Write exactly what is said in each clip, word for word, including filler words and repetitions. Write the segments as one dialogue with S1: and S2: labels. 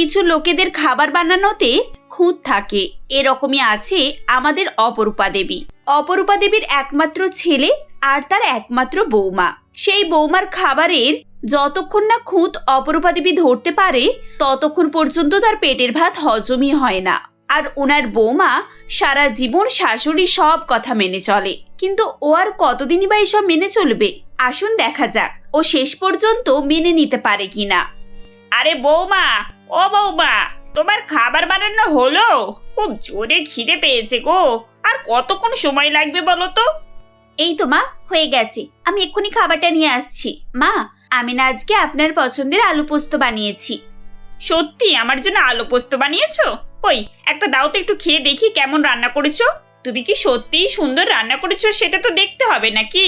S1: কিছু লোকেদের খাবার বানানোতে খুঁত থাকে, এরকমই আছে আমাদের অপরূপা দেবী। অপরূপা দেবীর একমাত্র ছেলে আর তার একমাত্র বৌমা। সেই বৌমার খাবারের যতক্ষণ না খুঁত অপরূপা দেবী ধরতে পারে ততক্ষণ পর্যন্ত তার পেটের ভাত হজমই হয় না। আর ওনার বৌমা সারা জীবন শাশুড়ি সব কথা মেনে চলে, কিন্তু ও আর কতদিনই বা এসব মেনে চলবে? আসুন দেখা যাক ও শেষ পর্যন্ত মেনে নিতে পারে কিনা।
S2: আরে বৌমা, ও বৌমা, তোমার খাবার বানানো হলো? খুব জোরে খিদে পেয়েছে গো। আর কতক্ষণ সময় লাগবে বলো তো?
S1: এই তো মা, হয়ে গেছে, আমি এক্ষুনি খাবারটা নিয়ে আসছি। মা, আমি না আজকে আপনার পছন্দের আলু পোস্ত বানিয়েছি।
S2: সত্যি আমার জন্য আলু পোস্ত বানিয়েছো? ওই একটা দাও তো, একটু খেয়ে দেখি কেমন রান্না করেছো। তুমি কি সত্যিই সুন্দর রান্না করেছো সেটা তো দেখতে হবে নাকি?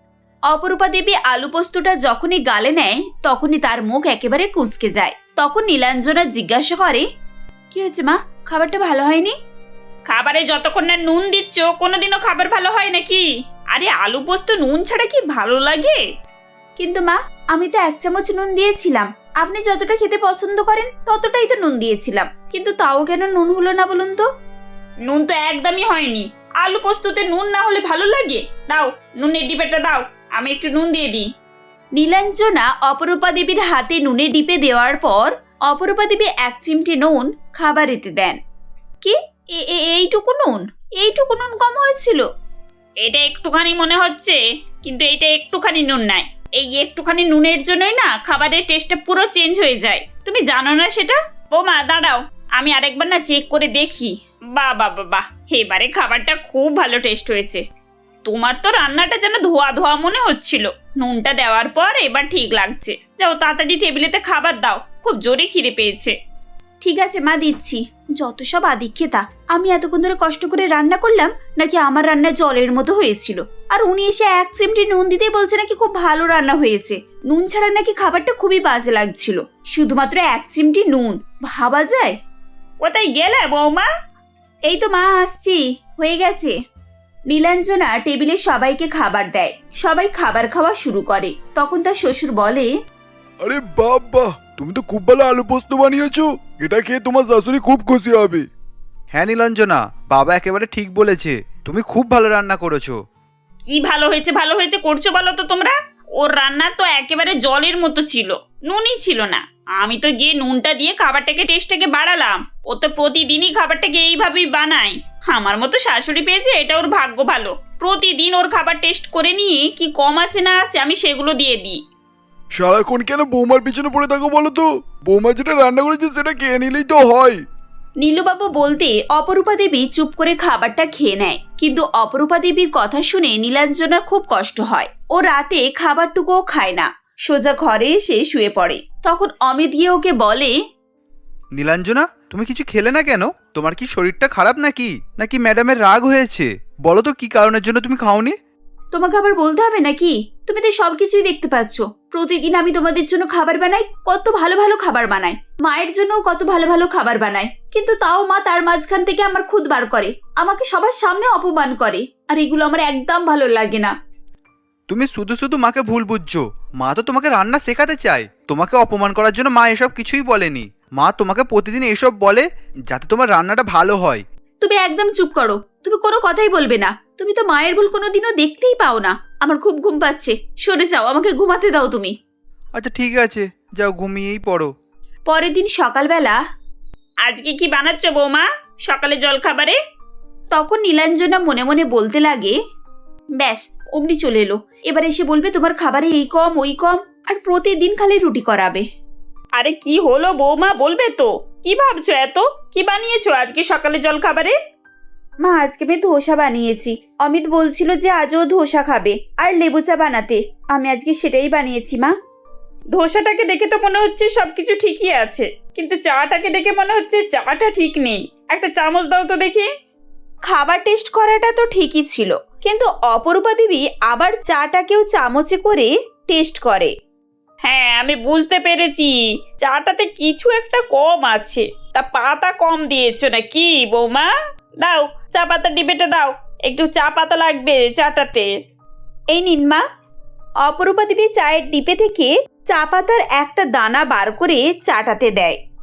S1: অপরূপা দেবী আলু পোস্তটা যখনই গালে নেয় তখনই তার মুখ একেবারে কুঁচকে যায়। তখন নীলাঞ্জনা জিজ্ঞাসা করে, কি হয়েছে মা, খাবারটা ভালো হয়নি?
S2: খাবারে যতক্ষণ না নুন দিচ্ছ কোনোদিনও খাবার ভালো হয় নাকি? আরে আলু পোস্ত নুন ছাড়া কি ভালো লাগে?
S1: কিন্তু মা, আমি তো এক চামচ নুন দিয়েছিলাম। আপনি যতটা খেতে পছন্দ করেন ততটাই তো নুন দিয়েছিলাম, কিন্তু তাও কেন নুন হলো না বলুন তো?
S2: নুন তো একদমই হয়নি। আলু পোস্ততে নুন না হলে ভালো লাগে? দাও, নুনের ডিব্বাটা দাও, আমি একটু নুন দিয়ে দিই।
S1: নীলাঞ্জনা অপরূপা দেবীর হাতে নুনে ডিপে দেওয়ার পর অপরূপা দেবী এক চিমটি নুন খাবারেতে দেন। কি, এইটুকু নুন? এইটুকু নুন কম হয়েছিল?
S2: এটা একটুখানি মনে হচ্ছে, কিন্তু এটা একটুখানি নুন নাই। এই একটুখানি নুনের জন্যই না খাবারের টেস্টটা পুরো চেঞ্জ হয়ে যায়। তুমি জানো না সেটা? বৌমা দাঁড়াও, আমি আরেকবার না চেক করে দেখি। বাহ বাহ বাহ, এবারে খাবারটা খুব ভালো টেস্ট হয়েছে। তোমার তো রান্নাটা যেন ধোয়া ধোয়া মনে হচ্ছিল, নুনটা দেওয়ার পর এবার ঠিক লাগছে। যাও তাড়াতাড়ি টেবিলেতে খাবার দাও, খুব জোরে খিদে পেয়েছে।
S1: ঠিক আছে মা, দিচ্ছি। যত সব আদিক্ষেতা, আমি এতক্ষণ ধরে কষ্ট করে রান্না করলাম নাকি আমার রান্না জলের মতো হয়েছিল, আর উনি এসে এক চিমটি নুন দিতেই বলছে নাকি খুব ভালো রান্না হয়েছে। নুন ছাড়া নাকি খাবারটা খুবই বাজে লাগছিল, শুধুমাত্র এক চিমটি নুন, ভাবা যায়?
S2: কোথায় গেলে বৌমা?
S1: এই তো মা, আসছি, হয়ে গেছে। নীলাঞ্জনা টেবিলে সবাইকে খাবার দেয়, সবাই খাবার খাওয়া শুরু করে। তখন তার শ্বশুর বলে,
S3: আরে বাবা, তুমি তো খুব ভালো আলু পোস্ত বানিয়েছো, এটা খেয়ে তোমার শাশুড়ি খুব খুশি হবে।
S4: হ্যাঁ নীলাঞ্জনা, বাবা একেবারে ঠিক বলেছে, তুমি খুব ভালো রান্না করেছো।
S2: কি ভালো হয়েছে ভালো হয়েছে করছো বলো তো তোমরা? ওর রান্না তো একেবারে জলের মতো ছিল, নুনই ছিল না। আমি তো গিয়ে নুনটা দিয়ে খাবারটাকে টেস্টটাকে বাড়ালাম। ও তো প্রতিদিনই খাবারটাকে এইভাবেই বানায়। আমার মতো শাশুড়ি পেয়েছে, এটা ওর ভাগ্য ভালো। প্রতিদিন ওর খাবার টেস্ট করে নিয়ে কি কম আছে না আছে আমি সেগুলো দিয়ে দিই।
S3: সারাক্ষণ কেন বৌমার পিছনে পড়ে থাকো বলো তো? বৌমা যেটা রান্না করেছে সেটা খেয়ে নিলেই তো হয়।
S1: নীলুবাবু বলতে অপরূপা দেবী চুপ করে খাবারটা খেয়ে নেয়, কিন্তু অপরূপা দেবীর কথা শুনে নীলাঞ্জনার খুব কষ্ট হয়। ও রাতে খাবারটুকুও খায় না, সোজা ঘরে এসে শুয়ে পড়ে। তখন অমিত গিয়ে ওকে বলে,
S4: নীলাঞ্জনা, তুমি কিছু খেলে না কেন? তোমার কি শরীরটা খারাপ নাকি নাকি ম্যাডামের রাগ হয়েছে? বলো তো কি কারণের জন্য তুমি খাওনি?
S1: তোমাকে আবার বলতে হবে নাকি? তুমি তো সবকিছুই দেখতে পাচ্ছ। প্রতিদিন আমি তোমাদের জন্য খাবার বানাই, কত ভালো ভালো খাবার বানাই, মায়ের জন্য কত ভালো ভালো খাবার বানাই, কিন্তু তাও মা তার মাঝখান থেকে আমার খুদ বার করে, আমাকে সবার সামনে অপমান করে, আর এগুলো আমার একদম ভালো লাগে না।
S4: তুমি শুধু শুধু মাকে ভুল বুঝছো। মা তো তোমাকে রান্না শেখাতে চায়, তোমাকে অপমান করার জন্য মা এসব কিছুই বলেনি। মা তোমাকে প্রতিদিন এসব বলে যাতে তোমার রান্নাটা ভালো হয়।
S1: তুমি একদম চুপ করো, তুমি কোনো কথাই বলবে না। তুমি তো মায়ের ভুল কোনোদিনও দেখতেই পাও না। আমার খুব ঘুম পাচ্ছে, সরে যাও, আমাকে ঘুমাতে দাও তুমি।
S4: আচ্ছা ঠিক আছে, যাও ঘুমিয়েই পড়ো।
S1: পরের দিন সকালবেলা
S2: আজকে কি বানাচ্ছ বৌমা সকালে জল খাবারে?
S1: তখন নীলাঞ্জনা মনে মনে বলতে লাগে, ব্যাস অমনি চলে এলো, এবার এসে বলবে তোমার খাবারে এই কম ওই কম, আর প্রতিদিন খালি রুটি করাবে।
S2: আরে কি হলো বৌমা, বলবে তো? কি ভাবছো এত? কি বানিয়েছো আজকে সকালে জল খাবারে?
S1: মা, আজকে আমি ধোসা বানিয়েছি। অমিত বলছিল যে আজও ধোসা খাবে আর লেবু চা বানাতে, আমি আজকে সেটাই বানিয়েছি মা।
S2: ধোসাটাকে দেখে তো মনে হচ্ছে সবকিছু ঠিকই আছে, কিন্তু চাটাকে দেখে মনে হচ্ছে চাটা ঠিক নেই। একটা চামচ দাও তো দেখি।
S1: খাবার টেস্ট করাটা তো ঠিকই ছিল, কিন্তু অপরূপা দেবী আবার চাটাকেও চামচে করে টেস্ট করে।
S2: হ্যাঁ আমি বুঝতে পেরেছি, চাটাতে কিছু একটা কম আছে। তা পাতা কম দিয়েছো নাকি বৌমা? দাও চা পাতা ডিবেটা দাও, একটু চা পাতা লাগবে চাটাতে।
S1: এই নিন মা। অপরূপা দেবী চায়ের ডিপে থেকে চা পাতার একটা দানা বার করে চাটাতে দেয়।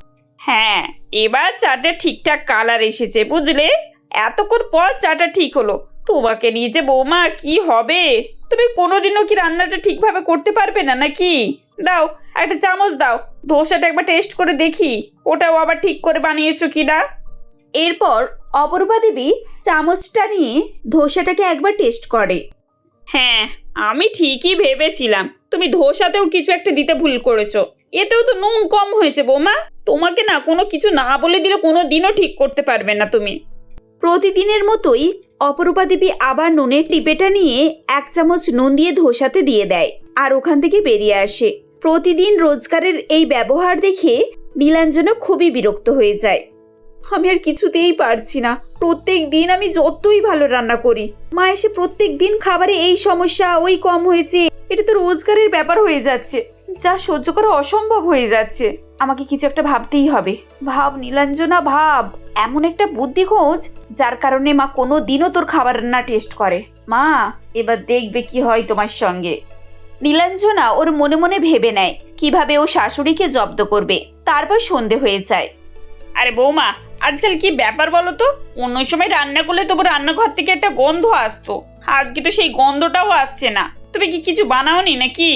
S2: হ্যাঁ, এবার চাটা ঠিকঠাক কালার এসেছে বুঝলে। এতক্ষণ পর চাটা ঠিক হলো। তোমাকে নিয়ে যে বৌমা কি হবে, তুমি কোনোদিনও কি রান্নাটা ঠিকভাবে করতে পারবে না নাকি? দাও একটা চামচ দাও, ধোসাটা একবার টেস্ট করে দেখি ওটাও আবার ঠিক করে বানিয়েছো কিনা।
S1: এরপর অপরূপা দেবী চামচটা নিয়ে ধোসাটাকে একবার টেস্ট করে।
S2: হ্যাঁ, আমি ঠিকই ভেবেছিলাম তুমি ধোসাতেও কিছু একটা দিতে ভুল করেছো। এতেও তো নুন কম হয়েছে বৌমা। তোমাকে না কোনো কিছু না বলে দিলে কোনো দিনও ঠিক করতে পারবে না তুমি।
S1: প্রতিদিনের মতোই অপরূপা দেবী আবার নুনের টিপেটা নিয়ে এক চামচ নুন দিয়ে ধোসাতে দিয়ে দেয় আর ওখান থেকে বেরিয়ে আসে। প্রতিদিন রোজগারের এই ব্যবহার দেখে নীলাঞ্জনা খুবই বিরক্ত হয়ে যায়। আমি আর কিছুতেই পারছি না, প্রত্যেক দিন আমি যতই ভালো রান্না করি মা এসে প্রত্যেক দিন খাবারে এই সমস্যা, ওই কম হয়েছে, এটা তো রোজগারের ব্যাপার হয়ে যাচ্ছে, যা সহ্য করা অসম্ভব হয়ে যাচ্ছে। আমাকে কিছু একটা ভাবতেই হবে। ভাব নীলাঞ্জনা ভাব, এমন একটা বুদ্ধি খোঁজ যার কারণে মা কোনো দিনও তোর খাবার রান্না টেস্ট করে। মা এবার দেখবে কি হয় তোমার সঙ্গে। নীলাঞ্জনা ওর মনে মনে ভেবে নেয় কিভাবে ও শাশুড়িকে জব্দ করবে। তারপর সন্ধে হয়ে যায়।
S2: আরে বৌমা, আজকাল কি ব্যাপার বলো তো? অন্য সময় রান্না করলে তবু রান্নাঘর থেকে একটা গন্ধ আসতো, আজকে তো সেই গন্ধটাও আসছে না। তুমি কি কিছু বানাওনি নাকি?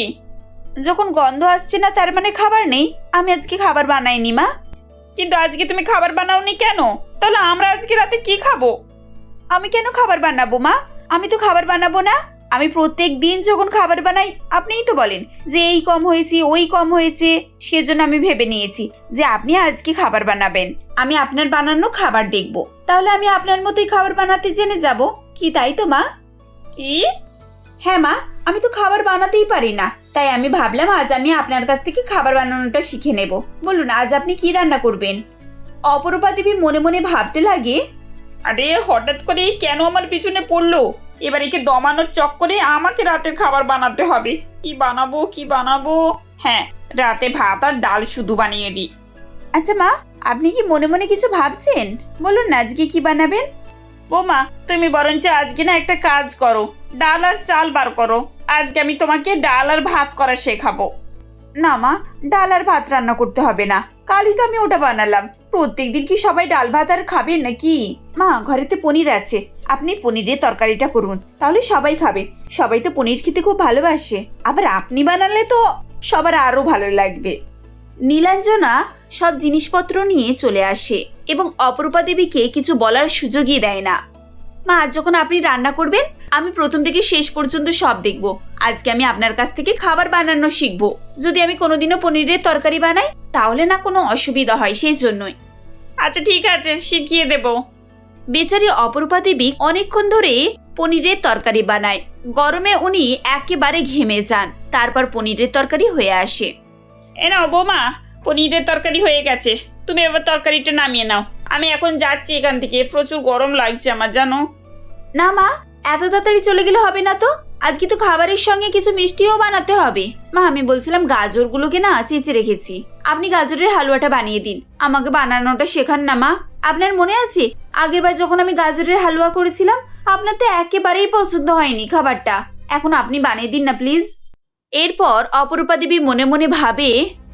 S1: যখন গন্ধ আসছে না তার মানে খাবার নেই। আমি আজকে খাবার বানাইনি মা।
S2: কিন্তু আজকে তুমি খাবার বানাওনি কেন? তাহলে আমরা আজকে রাতে কি খাবো?
S1: আমি কেন খাবার বানাবো মা? আমি তো খাবার বানাবো না। আমি প্রত্যেক দিন যখন খাবার বানাই আপনিই তো বলেন যে এই কম হয়েছে, ওই কম হয়েছে, সেজন্য আমি ভেবে নিয়েছি যে আপনি আজকে খাবার বানাবেন। আমি আপনার বানানো খাবার দেখব, তাহলে আমি আপনার মতোই খাবার বানাতে জেনে যাব। কি তাই তো মা?
S2: কি?
S1: হ্যাঁ মা, আমি তো খাবার বানাতেই পারি না, তাই আমি ভাবলাম আজ আমি আপনার কাছ থেকে খাবার বানানোটা শিখে নেব। বলুন আজ আপনি কি রান্না করবেন? অপরূপা দেবী মনে মনে ভাবতে লাগে,
S2: আরে হঠাৎ করে কেন আমার পিছনে পড়লো? এবার একে দমানোর চক্করে আমাকে রাতের খাবার বানাতে হবে। কি বানাবো কি বানাবো? হ্যাঁ, রাতে ভাত আর ডাল শুধু বানিয়ে দিই।
S1: আচ্ছা মা, আপনি কি মনে মনে কিছু ভাবছেন? বলুন না আজকে কি বানাবেন।
S2: বৌমা, তুমি বরঞ্চ আজকে না একটা কাজ করো, ডাল আর চাল বার করো। আজকে আমি তোমাকে ডাল আর ভাত করা শেখাবো।
S1: না মা, ডাল আর ভাত রান্না করতে হবে না, কালই তো আমি ওটা বানালাম। প্রত্যেকদিন কি সবাই ডাল ভাত আর খাবেন নাকি? মা ঘরেতে পনির আছে, আপনি পনিরের তরকারিটা করুন, তাহলে সবাই খাবে। সবাই তো পনির খেতে খুব ভালোবাসে, আবার আপনি বানালে তো সবার আরো ভালো লাগবে। নীলাঞ্জনা সব জিনিসপত্র নিয়ে চলে আসে এবং অপরূপা দেবীকে কিছু বলার সুযোগই দেয় না। মা আজ যখন আপনি রান্না করবেন আমি প্রথম থেকে শেষ পর্যন্ত সব দেখব। আজকে আমি আপনার কাছ থেকে খাবার বানানো শিখবো। যদি আমি কোনোদিনও পনিরের তরকারি বানাই তাহলে না কোনো অসুবিধা হয়, সেই জন্যই।
S2: আচ্ছা ঠিক আছে, শিখিয়ে দেব।
S1: বেচারি অপরূপা দেবী অনেকক্ষণ ধরে পনিরের তরকারি বানায়। গরমে উনি একেবারে ঘেমে যান। তারপর পনিরের তরকারি হয়ে আসে।
S2: এ নাও বৌমা, পনিরের তরকারি হয়ে গেছে। তুমি এবার তরকারিটা নামিয়ে নাও। আমি এখন যাচ্ছি এখান থেকে, প্রচুর গরম লাগছে আমার, জানো।
S1: না মা, এত তাড়াতাড়ি চলে গেলে হবে না তো। আজকে তো খাবারের সঙ্গে কিছু মিষ্টিও বানাতে হবে। মা আমি বলছিলাম গাজরগুলোকে না চেঁচে রেখেছি, আপনি গাজরের হালুয়াটা বানিয়ে দিন। আমাকে বানানোটা শেখান না মা। আপনার মনে আছে আগেরবার যখন আমি গাজরের হালুয়া করেছিলাম আপনার তো একেবারেই পছন্দ হয়নি খাবারটা। এখন আপনি বানিয়ে দিন না প্লিজ। এরপর অপরূপা দেবী মনে মনে ভাবে,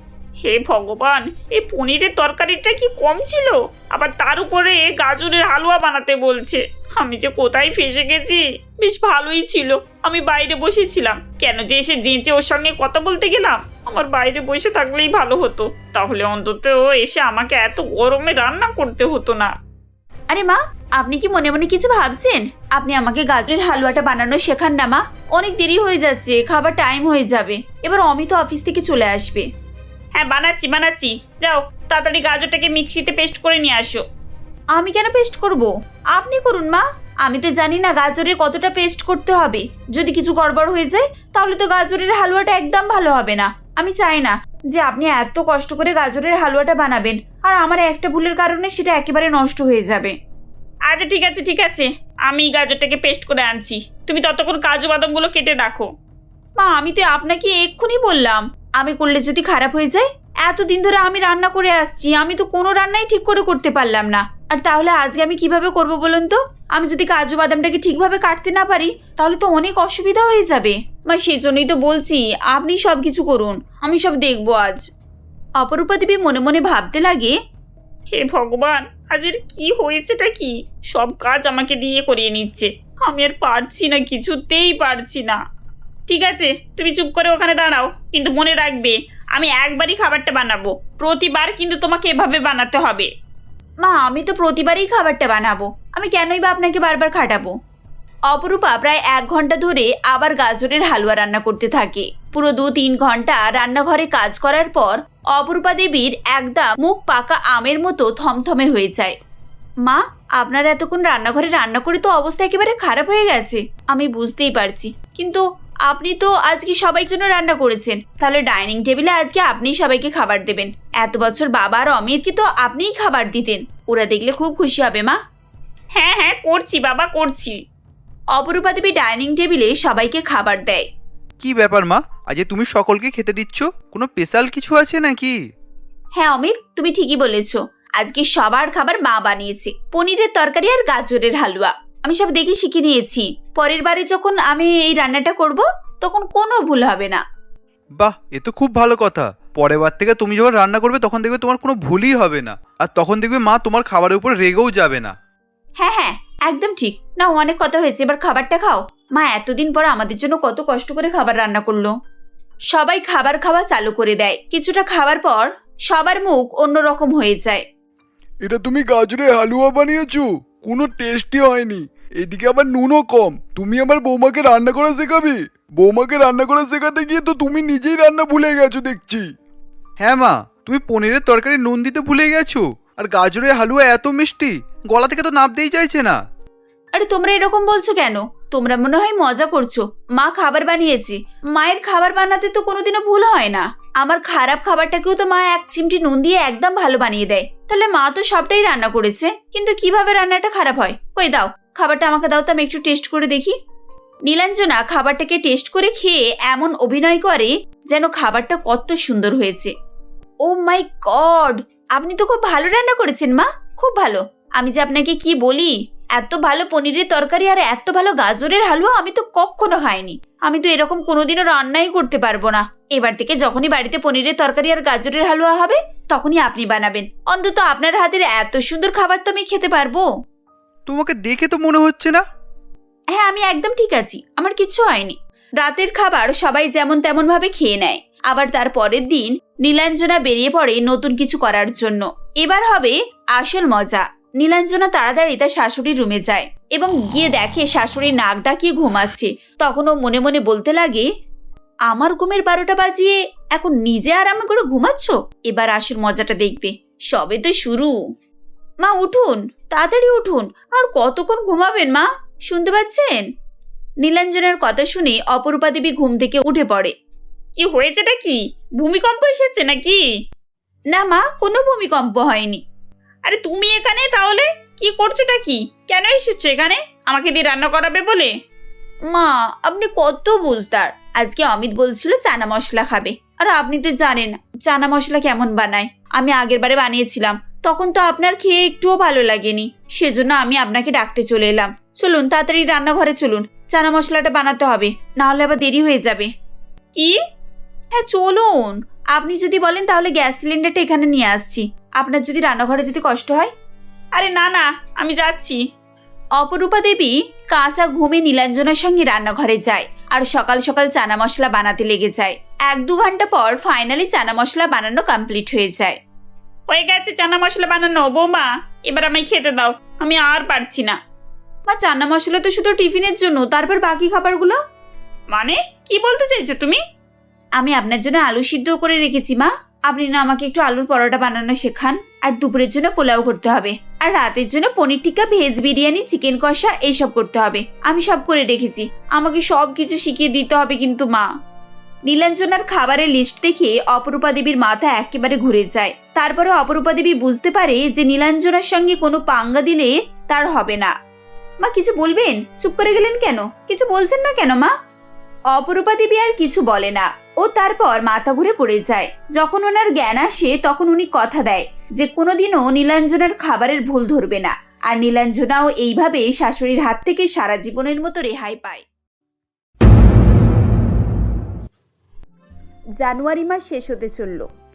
S2: হে ভগবান, এই পনিরের তরকারিটা কি কম ছিল, আবার তার উপরে গাজরের হালুয়া বানাতে বলছে। আমি যে কোথায় ফেসে গেছি। বেশ ভালোই ছিল, আমি বাইরে বসেছিলাম, কেন যে এসে যেঁচে ওর সঙ্গে কথা বলতে গেলাম। আমার বাইরে বসে থাকলেই ভালো হতো, তাহলে অন্তত এসে আমাকে এত গরমে রান্না করতে হতো না।
S1: আরে মা, আপনি কি মনে মনে কিছু ভাবছেন? আপনি আমাকে গাজরের হালুয়াটা বানানো শেখান না মা। অনেক দেরি হয়ে যাচ্ছে, খাবার টাইম হয়ে যাবে। এবার অমিত অফিস থেকে চলে আসবে।
S2: হ্যাঁ বানাচ্ছি বানাচ্ছি, যাও তাড়াতাড়ি গাজরটাকে মিক্সিতে পেস্ট করে নিয়ে আসো।
S1: আমি কেন পেস্ট করব? আপনি করুন মা। আমি তো জানি না গাজরের কতটা পেস্ট করতে হবে। যদি কিছু গড়বড় হয়ে যায় তাহলে তো গাজরের হালুয়াটা একদম ভালো হবে না। আমি চাই না যে আপনি এত কষ্ট করে গাজরের হালুয়াটা বানাবেন আর আমার একটা ভুলের কারণে সেটা একেবারে নষ্ট হয়ে যাবে।
S2: আচ্ছা ঠিক আছে ঠিক আছে, আমি গাজরটাকে পেস্ট করে আনছি, তুমি ততক্ষণ কাজু বাদামগুলো কেটে রাখো।
S1: মা আমি তো আপনাকে এক্ষুনি বললাম আমি করলে যদি খারাপ হয়ে যায়। এতদিন ধরে আমি রান্না করে আসছি, আমি তো কোনো রান্নাই ঠিক করে করতে পারলাম না। আর তাহলে আজকে আমি কিভাবে করব বলুন তো? আমি যদি কাজু বাদামটাকে ঠিকভাবে কাটতে না পারি তাহলে তো অনেক অসুবিধা হয়ে যাবে। মা সেই জন্যই তো বলছি আপনি সব কিছু করুন, আমি সব দেখবো আজ। অপরূপা দেবী মনে মনে ভাবতে লাগে,
S2: হে ভগবান, আজের কি হয়েছেটা কি? সব কাজ আমাকে দিয়ে করিয়ে নিচ্ছে। আমি আর পারছি না, কিছুতেই পারছি না। ঠিক আছে, তুমি চুপ করে ওখানে দাঁড়াও, কিন্তু মনে রাখবে আমি একবারই খাবারটা বানাবো, প্রতিবার কিন্তু তোমাকে এভাবে বানাতে হবে।
S1: মা, আমি তো প্রতিবারই খাবারটা বানাবো, আমি কেনই বা আপনাকে বারবার খাটাবো? অপরূপা প্রায় এক ঘন্টা ধরে আবার গাজরের হালুয়া রান্না করতে থাকে। পুরো দু তিন ঘন্টা রান্নাঘরে কাজ করার পর অপরূপা দেবীর একদম মুখ পাকা আমের মতো থমথমে হয়ে যায়। মা, আপনার এতক্ষণ রান্নাঘরে রান্না করে তো অবস্থা একেবারে খারাপ হয়ে গেছে, আমি বুঝতেই পারছি, কিন্তু আপনি তো আজকে সবাই জন্য রান্না করেছেন, তাহলে ডাইনিং টেবিলে আজকে আপনিই সবাইকে খাবার দেবেন। এত বছর বাবা আর অমিতকে তো আপনিই খাবার দিতেন, ওরা দেখলে খুব খুশি হবে মা।
S2: হ্যাঁ হ্যাঁ, করছি বাবা, করছি।
S1: অপরূপা দেবী ডাইনিং টেবিলে সবাইকে খাবার দেয়।
S4: কি ব্যাপার মা, আজ তুমি সকলকে খেতে দিচ্ছ? কোনো স্পেশাল কিছু আছে নাকি?
S1: হ্যাঁ অমিত, তুমি ঠিকই বলেছ, আজকে সবার খাবার মা বানিয়েছে, পনিরের তরকারি আর গাজরের হালুয়া। আমি সব দেখে শিখে নিয়েছি, পরের বারে যখন আমি এই রান্নাটা করব তখন কোনো ভুল হবে না।
S4: বাহ, এ তো খুব ভালো কথা। পরের বার থেকে তুমি যখন রান্না করবে তখন দেখবে তোমার কোনো ভুলই হবে না, আর তখন দেখবে মা তোমার খাবারের উপর রেগেও যাবে না।
S1: হ্যাঁ হ্যাঁ, একদম ঠিক। না, অনেক কথা হয়েছে, এবার খাবারটা খাও। মা এতদিন পর আমাদের জন্য কত কষ্ট করে খাবার রান্না করলো। সবাই খাবার খাওয়া চালু করে দেয়। কিছুটা খাওয়ার পর সবার মুখ অন্যরকম হয়ে যায়।
S3: এটা তুমি গাজরের হালুয়া বানিয়েছো? কোনো টেস্টই হয়নি, এদিকে আবার নুনও কম। তুমি আমার বৌমাকে রান্না করা শেখাবে? বৌমাকে রান্না করা শেখাতে গিয়ে তো তুমি নিজেই রান্না ভুলে গেছো দেখছি।
S4: হ্যাঁ মা, তুমি পনিরের তরকারি নুন দিতে ভুলে গেছো, আর গাজরের হালুয়া এত মিষ্টি, গলা থেকে তো নামতেই চাইছে না।
S1: আরে তোমরা এরকম বলছো কেন? তোমরা মনে হয় মজা করছো। মা খাবার বানিয়েছে, মায়ের খাবার বানাতে তো কোনোদিনও ভুল হয় না। আমার খারাপ খাবারটাকেও তো মা এক চিমটি নুন দিয়ে একদম ভালো বানিয়ে দেয়। তাহলে মা তো সবটাই রান্না করেছে, কিন্তু কিভাবে রান্নাটা খারাপ হয়? কই দাও, খাবারটা আমাকে দাও তো, আমি একটু টেস্ট করে দেখি। নীলাঞ্জনা খাবারটাকে টেস্ট করে খেয়ে এমন অভিনয় করে যেন খাবারটা কত সুন্দর হয়েছে। ও মাই গড, আপনি তো খুব ভালো রান্না করেছেন মা, খুব ভালো। আমি যে আপনাকে কি বলি, এত ভালো পনিরের তরকারি আর এত ভালো গাজরের হালুয়া আমি তো কখনো খাইনি। আমি তো এরকম কোনোদিনও রান্নাই করতে পারবো না। এবার থেকে যখনই বাড়িতে পনিরের তরকারি আর গাজরের হালুয়া হবে তখনই আপনি বানাবেন। অন্তত আপনার হাতের এত সুন্দর খাবার তো আমি খেতে পারবো।
S4: তোমাকে দেখে তো মনে হচ্ছে না।
S1: হ্যাঁ, আমি একদম ঠিক আছি, আমার কিচ্ছু হয়নি। রাতের খাবার সবাই যেমন তেমন ভাবে খেয়ে নেয়। আবার তার পরের দিন নীলাঞ্জনা বেরিয়ে পড়ে নতুন কিছু করার জন্য। এবার হবে আসল মজা। নীলাঞ্জনা তাড়াতাড়ি তার শাশুড়ির রুমে যায় এবং গিয়ে দেখে শাশুড়ি নাক ডাকিয়ে ঘুমাচ্ছে। তখন ও মনে মনে বলতে লাগে, আমার ঘুমের বারোটা বাজিয়ে এখন নিজে আরামে করে ঘুমাচ্ছ, এবার আসল মজাটা দেখবে, সবে তো শুরু। মা উঠুন, তাড়াতাড়ি উঠুন, আর কতক্ষণ ঘুমাবেন মা? শুনতে পাচ্ছেন? নীলাঞ্জনার কথা শুনে অপরূপা দেবী ঘুম থেকে উঠে পড়ে।
S2: কি হয়েছেটা কি? ভূমিকম্প এসেছে নাকি?
S1: না মা, কোনো ভূমিকম্প হয়নি।
S2: আরে তুমি এখানে তাহলে কি করছোটা কি? কেন এসেছো এখানে? আমাকে দিয়ে রান্না করাবে বলে?
S1: মা, আপনি কত বুঝদার। আজকে অমিত বলছিল চানা মশলা খাবে, আর আপনি তো জানেন চানা মশলা কেমন বানায়। আমি আগের বারে বানিয়েছিলাম, তখন তো আপনার খেয়ে একটুও ভালো লাগেনি, সেজন্য আমি আপনাকে ডাকতে চলে এলাম। চলুন তাড়াতাড়ি রান্নাঘরে চলুন, চানা মশলাটা বানাতে হবে, না হলে আবার দেরি হয়ে যাবে।
S2: কি?
S1: হ্যাঁ চলুন, আপনি যদি বলেন তাহলে গ্যাস সিলিন্ডারটা এখানে নিয়ে আসছি, আপনার যদি রান্নাঘরে যেতে কষ্ট হয়।
S2: আরে না না, আমি যাচ্ছি।
S1: অপরূপা দেবী কাঁচা ঘুমে নীলাঞ্জনার সঙ্গে রান্নাঘরে যায় আর সকাল সকাল চানা মশলা বানাতে লেগে যায়। এক দু ঘন্টা পর ফাইনালি চানা মশলা বানানো কমপ্লিট হয়ে যায়।
S2: হয়ে গেছে চানা মশলা বানানো। বৌমা, এবার আমায় খেতে দাও, আমি আর পারছি না।
S1: মা, চানা মশলা তো শুধু টিফিনের জন্য, তারপর বাকি খাবারগুলো?
S2: মানে কি বলতে চাইছো তুমি?
S1: আমি আপনার জন্য আলু সিদ্ধ করে রেখেছি মা, আপনি না আমাকে একটু আলুর পরোটা বানানো শেখান। আর দুপুরের জন্য পোলাও করতে হবে, আর রাতের জন্য পনির টিক্কা, ভেজ বিরিয়ানি, চিকেন কষা এইসব করতে হবে। আমি সব করে রেখেছি, আমাকে সব কিছু শিখিয়ে দিতে হবে কিন্তু মা। নীলাঞ্জনার খাবারের লিস্ট দেখে অপরূপা দেবীর মাথা একেবারে ঘুরে যায়। তারপরে অপরূপা দেবী বুঝতে পারে যে নীলাঞ্জনার সঙ্গে কোনো পাঙ্গা দিলে তার হবে না। মা কিছু বলবেন? চুপ করে গেলেন কেন? কিছু বলছেন না কেন মা? অপরূপা দেবী আর কিছু বলে না, ও তারপর মাথা ঘুরে পড়ে যায়। যখন ওনার জ্ঞান আসে তখন উনি কথা দেয় যে কোনোদিনও নীলাঞ্জনার খাবারের ভুল ধরবে না, আর নীলাঞ্জনাও এইভাবে শাশুড়ির হাত থেকে সারা জীবনের মতো রেহাই পায়। জানুয়ারি মাস শেষ হতে চলল,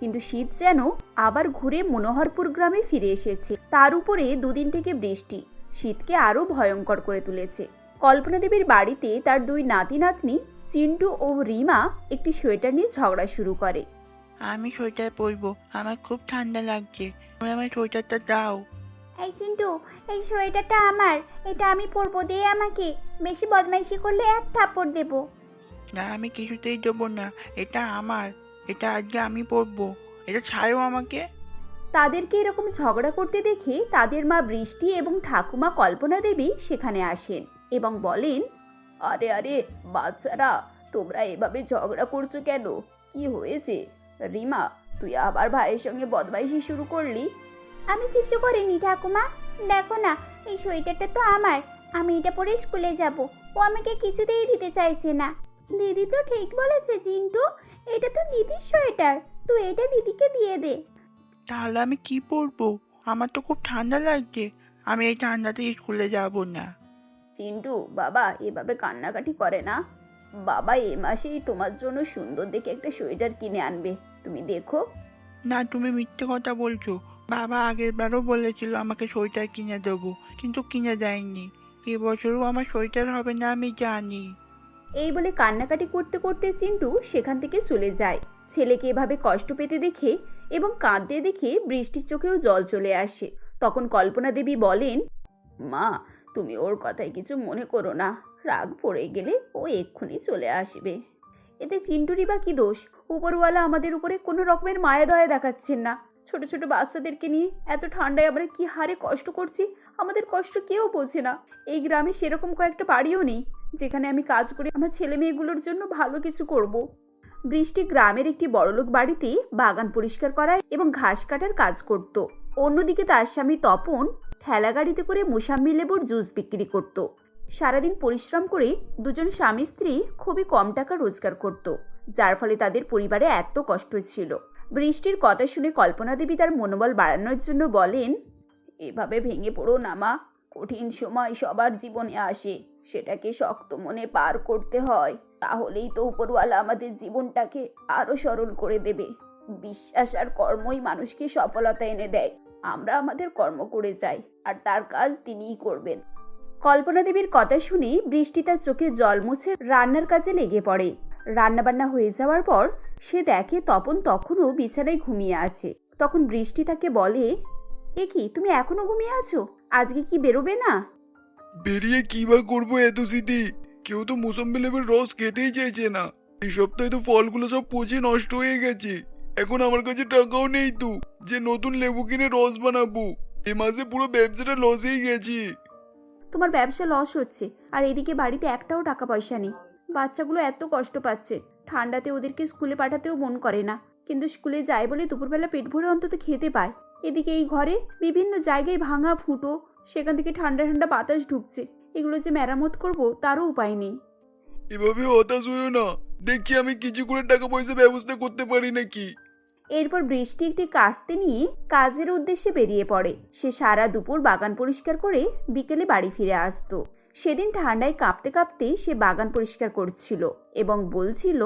S1: কিন্তু শীত যেন আবার ঘুরে মনোহরপুর গ্রামে ফিরে এসেছে। তার উপরে দুদিন থেকে বৃষ্টি শীতকে আরো ভয়ঙ্কর করে তুলেছে। কল্পনা দেবীর বাড়িতে তার দুই নাতি নাতনি চিন্টু ও রিমা একটি সোয়েটার নিয়ে ঝগড়া শুরু করে।
S5: আমি সোয়েটার পরবো, আমার খুব ঠান্ডা লাগছে, তুমি আমার সোয়েটারটা দাও।
S6: এই চিন্টু, এই সোয়েটারটা আমার, এটা আমি পরবো, দে আমাকে। বেশি বদমাইশি করলে এক থাপ্পড় দেবো।
S5: না, আমি কিছুতেই দেবো না, এটা আমার, এটা আজকে আমি পরবো, এটা ছাড়ো আমাকে।
S1: তাদেরকে এরকম ঝগড়া করতে দেখে তাদের মা বৃষ্টি এবং ঠাকুমা কল্পনা দেবী সেখানে আসেন এবং বলেন, আরে আরে বাচ্চারা, তোমরা এভাবে ঝগড়া করছো কেন? কি হয়েছে? রিমা, তুই আবার ভাইয়ের সঙ্গে বদমাইশি শুরু করলি?
S6: আমি কিচ্ছু করিনি ঠাকুমা, দেখো না, এই সোয়েটারটা তো আমার, আমি এটা পরে স্কুলে যাব। ও আমাকে কিছুতেই দিতে চাইছে না। দিদি তো ঠিক বলেছে চিন্টু, এটা তো দিদির সোয়েটার, তুই এটা দিদিকে দিয়ে দে।
S5: তাহলে আমি কি পরবো? আমার তো খুব ঠান্ডা লাগছে, আমি এই ঠান্ডাতে স্কুলে যাব না।
S1: চিন্টু বাবা এভাবে কান্নাকাটি করে না। বাবা এ মাসেই তোমার জন্য সুন্দর দেখে একটা সোয়েটার কিনে আনবে, তুমি দেখো।
S5: না, তুমি মিথ্যে কথা বলছো। বাবা আগের বারও বলেছিল আমাকে সোয়েটার কিনে দেবো, কিন্তু কিনে দেয়নি। এবছরও আমার সোয়েটার হবে না, আমি জানি।
S1: এই বলে কান্নাকাটি করতে করতে চিন্টু সেখান থেকে চলে যায়। ছেলেকে এভাবে কষ্ট পেতে দেখে এবং কাঁদতে দেখে বৃষ্টির চোখেও জল চলে আসে। তখন কল্পনা দেবী বলেন, মা তুমি ওর কথায় কিছু মনে করো না, রাগ পড়ে গেলে ও এক্ষুনি চলে আসবে। এতে চিন্টুরই বা কি দোষ? উপরওয়ালা আমাদের উপরে কোনো রকমের মায়া দয়া দেখাচ্ছেন না। ছোট ছোট বাচ্চাদেরকে নিয়ে এত ঠান্ডায় আমরা কি হারে কষ্ট করছি, আমাদের কষ্ট কেউ বোঝে না। এই গ্রামে সেরকম কয়েকটা বাড়িও নেই যেখানে আমি কাজ করে আমার ছেলে মেয়েগুলোর জন্য ভালো কিছু করব। বৃষ্টি গ্রামের একটি বড়লোক বাড়িতে বাগান পরিষ্কার করা এবং ঘাস কাটার কাজ করত। অন্যদিকে তার স্বামী তপন ঠেলা গাড়িতে করে মুসাম্মি লেবুর জুস বিক্রি করত। সারাদিন পরিশ্রম করে দুজন স্বামী স্ত্রী খুবই কম টাকা রোজগার করত, যার ফলে তাদের পরিবারে এত কষ্ট ছিল। বৃষ্টির কথা শুনে কল্পনা দেবী তার মনোবল বাড়ানোর জন্য বলেন, এভাবে ভেঙে পড়ো না মা, কঠিন সময় সবার জীবনে আসে, সেটাকে শক্ত মনে পার করতে হয়, তাহলেই তো উপরওয়ালা আমাদের জীবনটাকে আরো সরল করে দেবে। বিশ্বাস আর কর্মই মানুষকে সফলতা এনে দেয়। আমরা আমাদের কর্ম করে যাই আর তার কাজ তিনিই করবেন। কল্পনা দেবীর কথা শুনে বৃষ্টি তার চোখে জল মুছে রান্নার কাজে লেগে পড়ে। রান্নাবান্না হয়ে যাওয়ার পর সে দেখে তপন তখনও বিছানায় ঘুমিয়ে আছে। তখন বৃষ্টি তাকে বলে, এ কি, তুমি এখনো ঘুমিয়ে আছো? আজকে কি বেরোবে না?
S3: বেরিয়ে কি বা করবো এত স্মৃতি? কেউ তো মুসম্বি লেবুর রস খেতেই চাইছে না। এই সপ্তাহে তো ফলগুলো সব পচে নষ্ট হয়ে গেছে। এখন আমার কাছে টাকাও নেই তো যে নতুন লেবু কিনে রস বানাবো। এ মাসে পুরো ব্যবসাটা লসেই গেছে।
S1: তোমার ব্যবসা লস হচ্ছে আর এদিকে বাড়িতে একটাও টাকা পয়সা নেই। বাচ্চাগুলো এত কষ্ট পাচ্ছে, ঠান্ডাতে ওদেরকে স্কুলে পাঠাতেও মন করে না, কিন্তু স্কুলে যায় বলে দুপুরবেলা পেট ভরে অন্তত খেতে পায়। এদিকে এই ঘরে বিভিন্ন জায়গায় ভাঙা ফুটো, সেখান থেকে ঠান্ডা ঠান্ডা বাতাস ঢুকছে। এগুলো যে মেরামত করব তারও উপায় নেই।
S3: এভাবে হতাশ হইও না, দেখছি আমি কিছু করে টাকা পয়সা ব্যবস্থা করতে পারি নাকি।
S1: এরপর বৃষ্টি একটি কাস্তে নিয়ে কাজের উদ্দেশ্যে বেরিয়ে পড়ে। সে সারা দুপুর বাগান পরিষ্কার করে বিকেলে বাড়ি ফিরে আসতো। সেদিন ঠান্ডায় কাঁপতে কাঁপতে সে বাগান পরিষ্কার করছিল এবং বলছিল,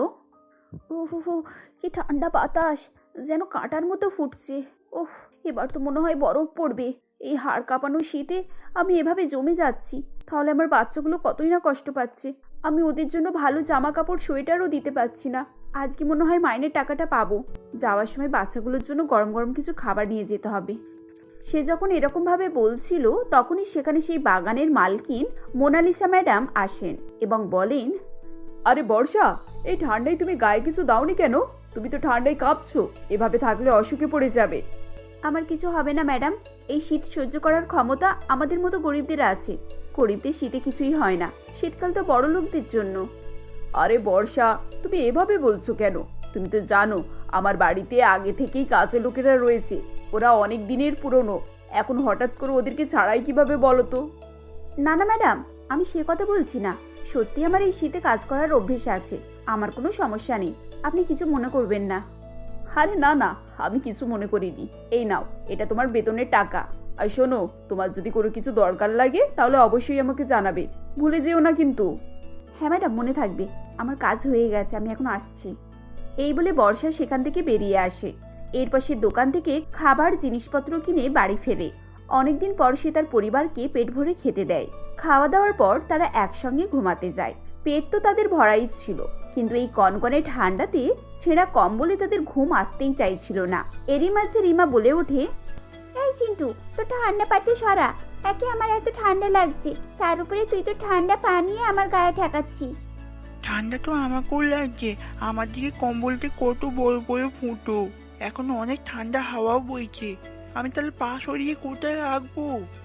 S1: উহু, কি ঠান্ডা বাতাস, যেন কাঁটার মতো ফুটছে। ওহ, এবার তো মনে হয় বরফ পড়বে। এই হাড় কাঁপানো শীতে আমি এভাবে জমে যাচ্ছি, তাহলে আমার বাচ্চাগুলো কতই না কষ্ট পাচ্ছে। আমি ওদের জন্য ভালো জামা কাপড় সোয়েটারও দিতে পারছি না। আজকে মনে হয় মাইনের টাকাটা পাবো। যাওয়ার সময় বাচ্চাগুলোর জন্য গরম গরম কিছু খাবার নিয়ে যেতে হবে। সে যখন এরকমভাবে বলছিল তখনই সেখানে সেই বাগানের মালকিন মোনালিসা ম্যাডাম আসেন এবং বলেন, আরে বর্ষা, এই ঠান্ডায় তুমি গায়ে কিছু দাওনি কেন? তুমি তো ঠান্ডায় কাঁপছো, এভাবে থাকলে অসুখে পড়ে যাবে। আমার কিছু হবে না ম্যাডাম, এই শীত সহ্য করার ক্ষমতা আমাদের মতো গরিবদের আছে। গরিবদের শীতে কিছুই হয় না, শীতকাল তো বড় লোকদের জন্য। আরে বর্ষা, তুমি এভাবে বলছো কেন? তুমি তো জানো আমার বাড়িতে আগে থেকেই কাজের লোকেরা রয়েছে, ওরা অনেক দিনের পুরনো। এখন হঠাৎ করে ওদেরকে ছাড়াই কিভাবে বলো তো? না না ম্যাডাম, আমি সে কথা বলছি না। সত্যি আমার এই শীতে কাজ করার অভ্যেস আছে, আমার কোনো সমস্যা নেই, আপনি কিছু মনে করবেন না। আরে না না, আমি কিছু মনে করিনি। এই নাও, এটা তোমার বেতনের টাকা। আর শোনো, তোমার যদি কোনো কিছু দরকার লাগে তাহলে অবশ্যই আমাকে জানাবে, ভুলে যেও না কিন্তু। হ্যাঁ ম্যাডাম, মনে থাকবে। আমার কাজ হয়ে গেছে, আমি এখন আসছি। এই বলে বর্ষা সেখান থেকে বেরিয়ে আসে। এরপর সে দোকান থেকে খাবার জিনিসপত্র কিনে বাড়ি ফেরে। অনেকদিন পর সে তার পরিবারকে পেট ভরে খেতে দেয়। খাওয়া দাওয়ার পর তারা একসঙ্গে ঘুমাতে যায়। পেট তো তাদের ভরাই ছিল, কিন্তু এই কনকনে ঠান্ডাতে ছেঁড়া কম্বলে তাদের ঘুম আসতেই চাইছিল না। এরই মাঝে রিমা বলে ওঠে,
S6: এই চিন্টু, তো ঠান্ডা পাটি সরা। একে আমার এত ঠান্ডা লাগছে, তার উপরে তুই তো ঠান্ডা পানি আমার গায়ে ঠেকাচ্ছিস।
S5: ঠান্ডা তো আমাকেও লাগছে, আমার দিকে কম্বলতে কত বড় বড় ফুটো, এখন অনেক ঠান্ডা হাওয়াও বইছে, আমি তাহলে পা সরিয়ে কোথায় রাখবো?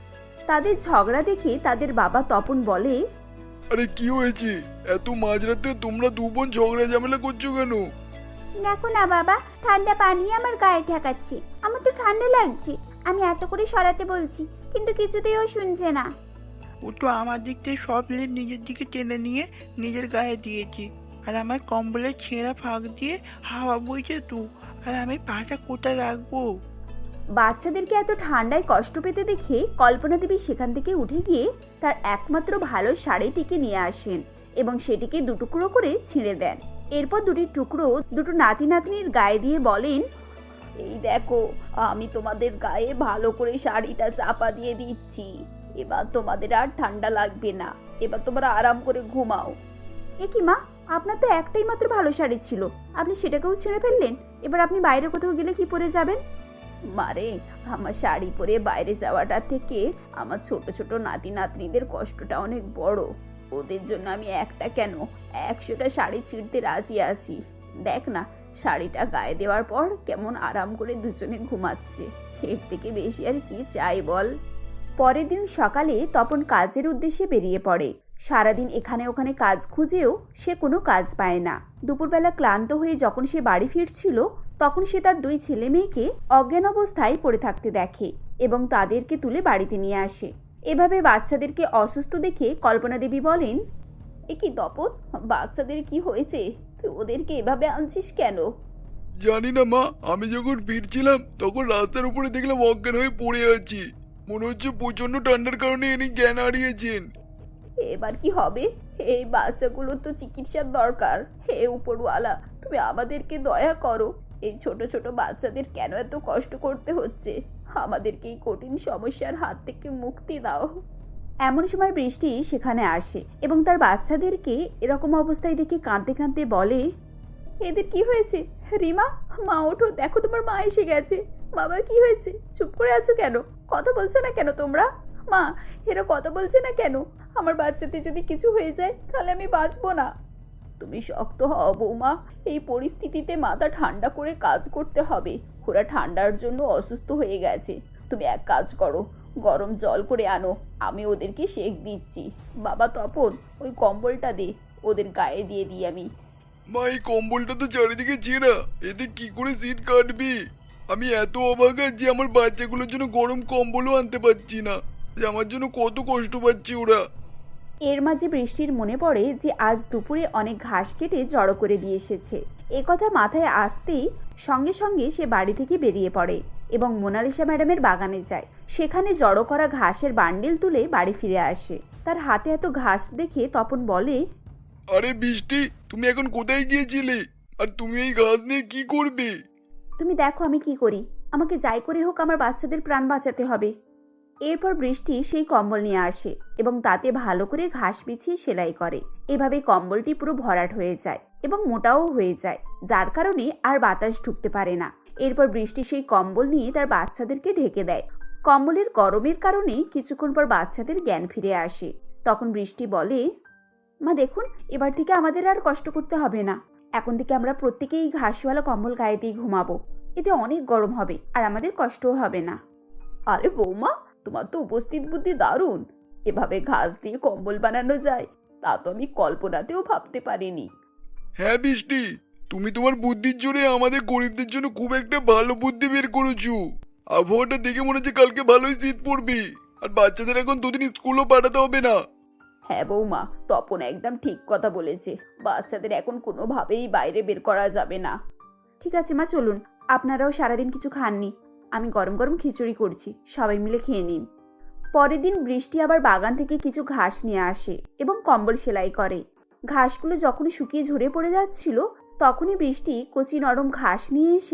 S1: তাদের ঝগড়া দেখে তাদের বাবা তপন বলে,
S3: আরে কি হয়েছে? এত মাঝরাতে তোমরা দু বোন ঝগড়া ঝামেলা করছো কেন?
S6: দেখো না বাবা, ঠান্ডা পানি আমার গায়ে ঠেকাচ্ছে, আমার তো ঠান্ডা লাগছে। আমি এত করে সরাতে বলছি, কিন্তু কিছুতেই ও শুনছে না।
S5: ও তো আমার দিক থেকে সব লেপ নিজের দিকে টেনে নিয়ে নিজের গায়ে দিয়েছে, আর আমার কম্বলের ছেঁড়া ফাঁক দিয়ে হাওয়া বইছে তো, আর আমি পাটা কোথায় রাখবো?
S1: বাচ্চাদেরকে এত ঠান্ডায় কষ্ট পেতে দেখে কল্পনা দেবী সেখান থেকে উঠে গিয়ে তার একমাত্র ভালো শাড়িটিকে নিয়ে আসেন এবং সেটিকে দুটুকরো করে ছিঁড়ে দেন। এরপর দুটি টুকরো দুটো নাতি নাতনির গায়ে দিয়ে বলেন, এই দেখো, আমি তোমাদের গায়ে ভালো করে শাড়িটা চাপা দিয়ে দিচ্ছি। এবার তোমাদের আর ঠান্ডা লাগবে না, এবার তোমরা আরাম করে ঘুমাও। এ কি মা, আপনার তো একটাই মাত্র ভালো শাড়ি ছিল, আপনি সেটাকেও ছিঁড়ে ফেললেন। এবার আপনি বাইরে কোথাও গেলে কি পরে যাবেন? মারে, আমার শাড়ি পরে বাইরে যাওয়াটা থেকে আমার ছোট ছোট নাতি নাতনিদের কষ্টটা অনেক বড়। ওদের জন্য আমি একটা কেন একশোটা শাড়ি ছিঁড়তে রাজি আছি। দেখ না, শাড়িটা গায়ে দেওয়ার পর কেমন আরাম করে দুজনে ঘুমাচ্ছে। এর থেকে বেশি আর কি চাই বল? পরের দিন সকালে তপন কাজের উদ্দেশ্যে বেরিয়ে পড়ে। সারাদিন এখানে ওখানে কাজ খুঁজেও সে কোনো কাজ পায় না। দুপুরবেলা ক্লান্ত হয়ে যখন সে বাড়ি ফিরছিল, তখন সে তার দুই ছেলে মেয়েকে অজ্ঞান অবস্থায় পড়ে থাকতে দেখে এবং তাদেরকে তুলে বাড়িতে নিয়ে আসে। এভাবে বাচ্চাদেরকে অসুস্থ দেখে কল্পনা দেবী বলেন, এ কি তপন, বাচ্চাদের কি হয়েছে? তুই ওদেরকে এভাবে আনছিস কেন?
S3: জানি না মা, আমি যখন ফিরছিলাম তখন রাস্তার উপরে দেখলাম অজ্ঞান হয়ে পড়ে আছি। মনে হচ্ছে প্রচন্ড ঠান্ডার কারণে ইনি জ্ঞান হারিয়েছেন।
S1: এবার কি হবে? এই বাচ্চাগুলোর তো চিকিৎসার দরকার। হে উপরওয়ালা, তুমি আমাদেরকে দয়া করো। এই ছোট ছোট বাচ্চাদের কেন এত কষ্ট করতে হচ্ছে? আমাদেরকে এই কঠিন সমস্যার হাত থেকে মুক্তি দাও। এমন সময় বৃষ্টি সেখানে আসে এবং তার বাচ্চাদেরকে এরকম অবস্থায় দেখে কাঁদতে কাঁদতে বলে, এদের কি হয়েছে? রিমা, মা ওঠো, দেখো তোমার মা এসে গেছে। বাবা, কি হয়েছে? চুপ করে আছো কেন? কথা বলছো না কেন তোমরা? মা, এরা কথা বলছে না কেন? আমার বাচ্চাতে যদি কিছু হয়ে যায় তাহলে আমি বাঁচবো না। তুমি শক্ত হও বৌমা, এই পরিস্থিতিতে মাথা ঠান্ডা করে কাজ করতে হবে। ওরা ঠান্ডার জন্য অসুস্থ হয়ে গেছে। তুমি এক কাজ করো, গরম জল করে আনো, আমি ওদেরকে সেক দিচ্ছি। বাবা তপন, ওই কম্বলটা দে, ওদের গায়ে দিয়ে দিই আমি।
S3: মা, এই কম্বলটা তো চারিদিকে ছেঁড়া, এতে কি করে শীত কাটবি? আমি এত অবাক যে আমার বাচ্চাগুলোর জন্য গরম কম্বলও আনতে পারছি না, যে আমার জন্য কত কষ্ট পাচ্ছে ওরা।
S1: এর মাঝে বৃষ্টির মনে পড়ে যে আজ দুপুরে অনেক ঘাস কেটে জড়ো করে দিয়ে এসেছে। এ কথা মাথায় আসতেই সঙ্গে সঙ্গে সে বাড়ি থেকে বেরিয়ে পড়ে এবং মোনালিসা ম্যাডামের বাগানে যায়। সেখানে জড়ো করা ঘাসের বান্ডিল তুলে বাড়ি ফিরে আসে। তার হাতে এত ঘাস দেখে তপন বলে,
S3: আরে বৃষ্টি, তুমি এখন কোথায় গিয়েছিলে? আর তুমি এই ঘাস নিয়ে কি করবে?
S1: তুমি দেখো আমি কি করি, আমাকে যাই করে হোক আমার বাচ্চাদের প্রাণ বাঁচাতে হবে। এরপর বৃষ্টি সেই কম্বল নিয়ে আসে এবং তাতে ভালো করে ঘাস বিছিয়ে সেলাই করে। এভাবে কম্বলটি পুরো ভরাট হয়ে যায় এবং মোটাও হয়ে যায়, যার কারণে আর বাতাস ঢুকতে পারে না। এরপর বৃষ্টি সেই কম্বল নিয়ে তার বাচ্চাদেরকে ঢেকে দেয়। কম্বলের গরমের কারণে কিছুক্ষণ পর বাচ্চাদের জ্ঞান ফিরে আসে। তখন বৃষ্টি বলে, মা দেখুন, এবার থেকে আমাদের আর কষ্ট করতে হবে না। এখন থেকে আমরা প্রত্যেকেই ঘাসওয়ালা কম্বল গায়ে দিয়ে ঘুমাবো। এতে অনেক গরম হবে আর আমাদের কষ্টও হবে না। আরে বৌমা, তোমার তো উপস্থিত বুদ্ধি দারুণ। এভাবে ঘাস দিয়ে কম্বল বানানো যায় তা তো আমি কল্পনাতেও ভাবতে পারিনি।
S3: হ্যাঁ বৃষ্টি, তুমি তোমার বুদ্ধির জোরে আমাদের গরিবদের জন্য খুব একটা ভালো বুদ্ধি বের করেছো। আবহাওয়াটা দেখে মনে হচ্ছে কালকে ভালোই শীত পড়বে, আর বাচ্চাদের এখন দুদিন স্কুলও পাঠাতে হবে না।
S1: হ্যাঁ বৌমা, তপন একদম ঠিক কথা বলেছে। বাচ্চাদের এখন কোনোভাবেই বাইরে বের করা যাবে না। ঠিক আছে মা, চলুন। আপনারাও সারাদিন কিছু খাননি, আমি গরম গরম খিচুড়ি করছি, সবাই মিলে খেয়ে নিন। পরের দিন বৃষ্টি আবার বাগান থেকে কিছু ঘাস নিয়ে আসে এবং কম্বল সেলাই করে। ঘাসগুলো যখন শুকিয়ে ঝরে পড়ে যাচ্ছিল, তখনই বৃষ্টি কচি নরম ঘাস নিয়ে এসে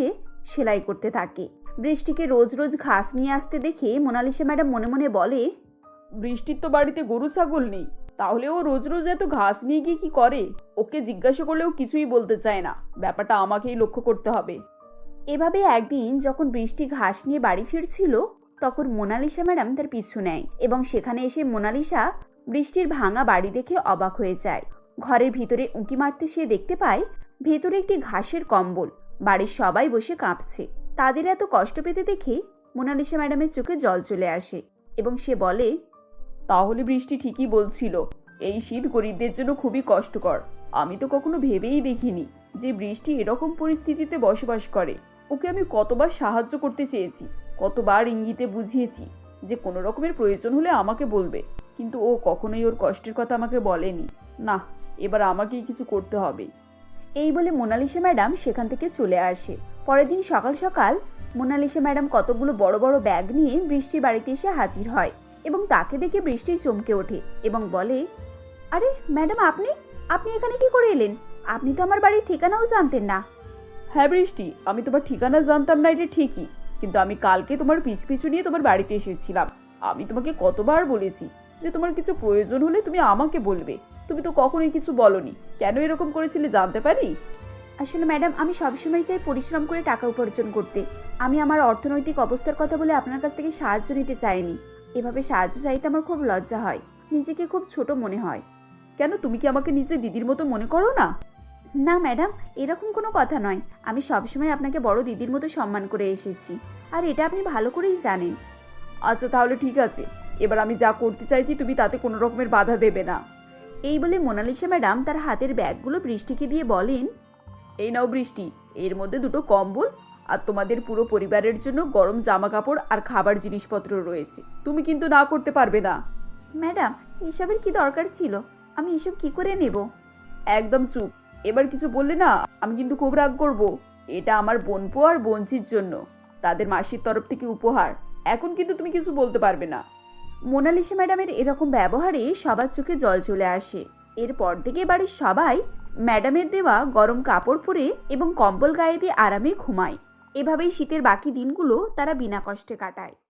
S1: সেলাই করতে থাকে। বৃষ্টিকে রোজ রোজ ঘাস নিয়ে আসতে দেখে মোনালিসা ম্যাডাম মনে মনে বলে,
S7: বৃষ্টির তো বাড়িতে গরু ছাগল নেই, তাহলে ও রোজ রোজ এত ঘাস নিয়ে গিয়ে কি করে? ওকে জিজ্ঞাসা করলেও কিছুই বলতে চায় না। ব্যাপারটা আমাকেই লক্ষ্য করতে হবে।
S1: এভাবে একদিন যখন বৃষ্টি ঘাস নিয়ে বাড়ি ফিরছিল, তখন মোনালিসা ম্যাডাম তার পিছু নেয় এবং সেখানে এসে মোনালিসা বৃষ্টির ভাঙা বাড়ি দেখে অবাক হয়ে যায়। ঘরের ভিতরে উঁকি মারতে সে দেখতে পায় ভেতরে একটি ঘাসের কম্বল। বাড়ির সবাই বসে কাঁপছে। তাদের এত কষ্ট পেতে দেখে মোনালিসা ম্যাডামের চোখে জল চলে আসে এবং সে বলে,
S7: তাহলে বৃষ্টি ঠিকই বলছিল, এই শীত গরিবদের জন্য খুবই কষ্টকর। আমি তো কখনো ভেবেই দেখিনি যে বৃষ্টি এরকম পরিস্থিতিতে বসবাস করে। ওকে আমি কতবার সাহায্য করতে চেয়েছি, কতবার ইঙ্গিতে বুঝিয়েছি যে কোনো রকমের প্রয়োজন হলে আমাকে বলবে, কিন্তু ও কখনোই ওর কষ্টের কথা আমাকে বলেনি। না, এবার আমাকেই কিছু করতে হবে।
S1: এই বলে মোনালিসা ম্যাডাম সেখান থেকে চলে আসে। পরের দিন সকাল সকাল মোনালিসা ম্যাডাম কতগুলো বড় বড় ব্যাগ নিয়ে বৃষ্টির বাড়িতে এসে হাজির হয় এবং তাকে দেখে বৃষ্টি চমকে ওঠে এবং বলে, আরে ম্যাডাম, আপনি আপনি এখানে কি করে এলেন? আপনি তো আমার বাড়ির ঠিকানাও জানতেন না।
S7: হ্যাঁ বৃষ্টি, আমি তোমার ঠিকানা জানতাম না এটা ঠিকই, কিন্তু আমি কালকে তোমার পিছু পিছু নিয়ে তোমার বাড়িতে এসেছিলাম। আমি তোমাকে কতবার বলেছি যে তোমার কিছু প্রয়োজন হলে তুমি আমাকে বলবে, তুমি তো কখনোই কিছু বলনি। কেন এরকম করেছিলে জানতে পারি?
S1: আসলে ম্যাডাম, আমি সবসময় চাই পরিশ্রম করে টাকা উপার্জন করতে। আমি আমার অর্থনৈতিক অবস্থার কথা বলে আপনার কাছ থেকে সাহায্য নিতে চাইনি। এভাবে সাহায্য চাইতে আমার খুব লজ্জা হয়, নিজেকে খুব ছোট মনে হয়।
S7: কেন, তুমি কি আমাকে নিজের দিদির মতো মনে করো না?
S1: না ম্যাডাম, এরকম কোনো কথা নয়। আমি সবসময় আপনাকে বড় দিদির মতো সম্মান করে এসেছি, আর এটা আপনি ভালো করেই জানেন।
S7: আচ্ছা তাহলে ঠিক আছে, এবার আমি যা করতে চাইছি তুমি তাতে কোনো রকমের বাধা দেবে না।
S1: এই বলে মোনালিসা ম্যাডাম তার হাতের ব্যাগগুলো বৃষ্টিকে দিয়ে বলেন,
S7: এই নাও বৃষ্টি, এর মধ্যে দুটো কম্বল আর তোমাদের পুরো পরিবারের জন্য গরম জামা কাপড় আর খাবার জিনিসপত্র রয়েছে। তুমি কিন্তু না করতে পারবে না।
S1: ম্যাডাম, এসবের কি দরকার ছিল? আমি এসব কি করে নেব?
S7: একদম চুপ, এবার কিছু বললে না আমি কিন্তু খুব রাগ করব। এটা আমার বোনপো আর বোনচির জন্য, তাদের মাসির তরফ থেকে উপহার। এখন কিন্তু তুমি কিছু বলতে পারবে না।
S1: মোনালিসা ম্যাডামের এরকম ব্যবহারে সবার চোখে জল চলে আসে। এরপর থেকে বাড়ির সবাই ম্যাডামের দেওয়া গরম কাপড় পরে এবং কম্বল গায়ে দিয়ে আরামে ঘুমায়। এভাবেই শীতের বাকি দিনগুলো তারা বিনা কষ্টে কাটায়।